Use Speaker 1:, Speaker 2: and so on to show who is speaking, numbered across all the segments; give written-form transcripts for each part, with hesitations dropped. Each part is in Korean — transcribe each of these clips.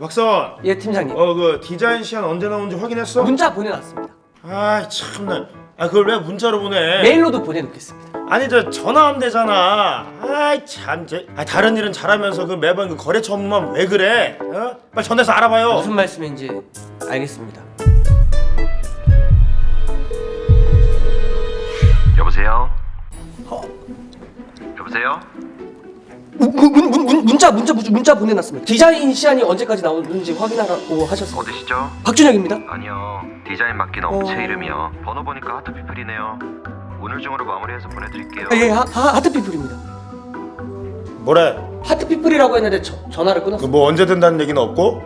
Speaker 1: 박사원.
Speaker 2: 예, 팀장님.
Speaker 1: 그 디자인 시안 언제 나오는지 확인했어?
Speaker 2: 문자 보내놨습니다.
Speaker 1: 아이 참나. 그걸 왜 문자로 보내?
Speaker 2: 메일로도 보내놓겠습니다.
Speaker 1: 아니 저 전화하면 되잖아. 아이 참. 다른 일은 잘하면서 그 매번 그 거래처 업무만 왜 그래? 빨리 전화해서 알아봐요.
Speaker 2: 무슨 말씀인지 알겠습니다.
Speaker 3: 여보세요? 여보세요?
Speaker 2: 문자 보내놨습니다. 디자인 시안이 언제까지 나오는지 확인하라고 하셨어요.
Speaker 3: 어디시죠?
Speaker 2: 박준혁입니다.
Speaker 3: 아니요, 디자인 맡긴 업체 이름이요. 번호 보니까 하트피플이네요. 오늘 중으로 마무리해서 보내드릴게요.
Speaker 2: 예, 하트피플입니다.
Speaker 1: 뭐래?
Speaker 2: 하트피플이라고 했는데 전화를 끊었어요.
Speaker 1: 뭐 언제 된다는 얘기는 없고?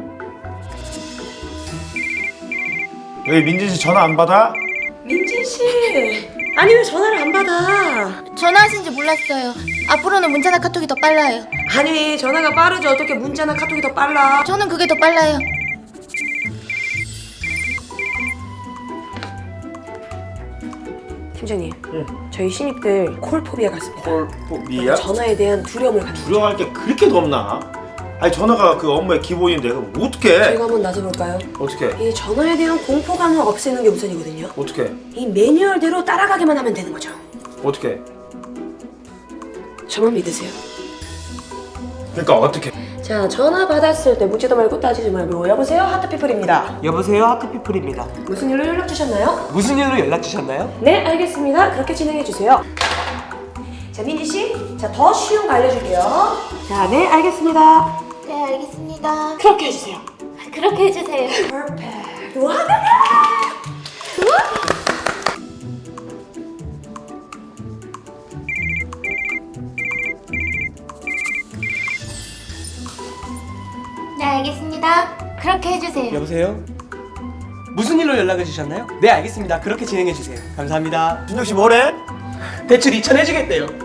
Speaker 1: 왜 민진 씨 전화 안 받아?
Speaker 4: 민진 씨, 아니 왜 전화를 안 받아?
Speaker 5: 전화하신지 몰랐어요. 앞으로는 문자나 카톡이 더 빨라요.
Speaker 4: 아니 전화가 빠르지 어떻게 문자나 카톡이 더 빨라?
Speaker 5: 저는 그게 더 빨라요.
Speaker 4: 팀장님, 저희 신입들 콜포비아가 있습니다.
Speaker 1: 콜포비아?
Speaker 4: 전화에 대한 두려움을 갖는 거죠.
Speaker 1: 두려워할 게 그렇게 덥나? 아니 전화가 그 업무의 기본인데 그럼 어떡해?
Speaker 4: 저희가 한번 나서볼까요?
Speaker 1: 어떡해?
Speaker 4: 이 전화에 대한 공포감을 없애는 게 우선이거든요.
Speaker 1: 어떡해?
Speaker 4: 이 매뉴얼대로 따라가기만 하면 되는 거죠.
Speaker 1: 어떡해?
Speaker 4: 저만 믿으세요.
Speaker 1: 그러니까 어떡해?
Speaker 4: 자, 전화 받았을 때 묻지도 말고 따지지 말고 여보세요? 하트피플입니다.
Speaker 2: 여보세요, 하트피플입니다.
Speaker 4: 무슨 일로 연락 주셨나요?
Speaker 2: 무슨 일로 연락 주셨나요?
Speaker 4: 네, 알겠습니다. 그렇게 진행해 주세요. 자, 민지 씨, 자, 더 쉬운 거 알려줄게요. 자, 네, 알겠습니다.
Speaker 5: 네, 알겠습니다.
Speaker 4: 그렇게 해주세요.
Speaker 5: 그렇게 해주세요.
Speaker 4: 퍼펙트. 와,
Speaker 5: 네, 알겠습니다. 그렇게 해주세요.
Speaker 2: 여보세요? 무슨 일로 연락을 주셨나요? 네, 알겠습니다. 그렇게 진행해 주세요. 감사합니다.
Speaker 1: 준혁 씨 뭐래?
Speaker 2: 대출 2,000 해주겠대요.